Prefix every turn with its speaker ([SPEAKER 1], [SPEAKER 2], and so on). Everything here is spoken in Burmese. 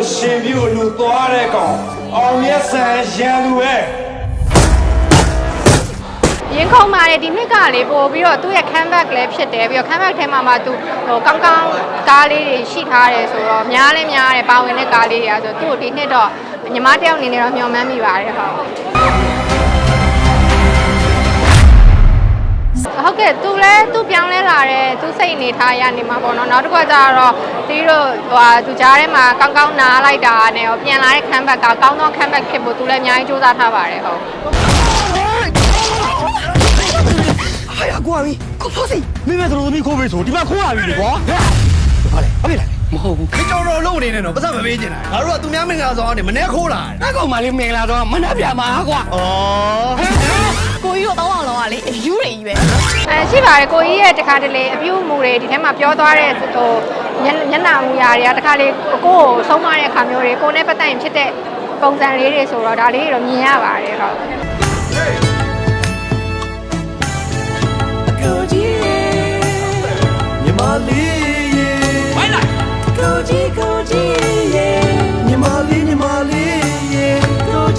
[SPEAKER 1] ရှင်ပြူလူသွားတဲ့ကောင်အောင်မြတ်ဆန်ရန်သူပဲ
[SPEAKER 2] ရင်ခုန်ပါတယ်ဒီနှစ်ကလေပို့ပြီးတော့သူ့ရဲ့ comeback လည်းဖြစ်တယ်ပြီးတော့ comeback ထဲမှာသူဟိုကောင်းကောင်းကားလေးတွေရှိထားတယ်ဆိုတော့များတယ်ပါဝင်တဲ့ကားလေးတွေဆိုတော့သူ့ဒီနှစ်တော့ညီမတယောက်အနေနဲ့တော့မျှော်မှန်းမိပါတယ်ဟုတ်ကဲ့သူပြောင်းလဲလာတယ်သူစိတ်အနေထားရနေမှာပေါ့နော်နောက်တစ်ခါကျတော့တီးတို့သူကြားထဲမှာကောင်းကောင်းနားလိုက်တာနဲ့ပြန်လာတဲ့ comeback ကကောင်းသော comeback ဖြစ်ဖို့သူလည်းအများကြီးစူးစမ်းထားပါတယ်ဟုတ်
[SPEAKER 3] 哎呀，郭阿姨，郭跑谁？妹妹都没口味错，你妈哭啊，你瓜？好嘞，好嘞，冇。
[SPEAKER 4] 你找着路呢呢，不是没背进来。他说都明个说的，没那苦了。
[SPEAKER 3] 那个嘛，你明了说，没那边嘛瓜。
[SPEAKER 4] 哦。
[SPEAKER 5] ကိုကြီးတို့တောင်းအောင်လောကလေအယူတွေကြီးပဲ
[SPEAKER 2] ရှိပါတယ်ကိုကြီးရဲ့တခါတလေအပြုမှုတွေဒီထဲမှာပြောသွားတဲ့ဟိုညနာမှုရာတွေကတခါလေကိုကိုဆုံးမတဲ့အခါမျိုးတွေကိုနဲ့ပတ်သက်ရင်ဖြစ်တဲ့ပုံစံလေးတွေဆိုတော့ဒါလေးတွေတော့မြင်ရပါတယ်ဟုတ်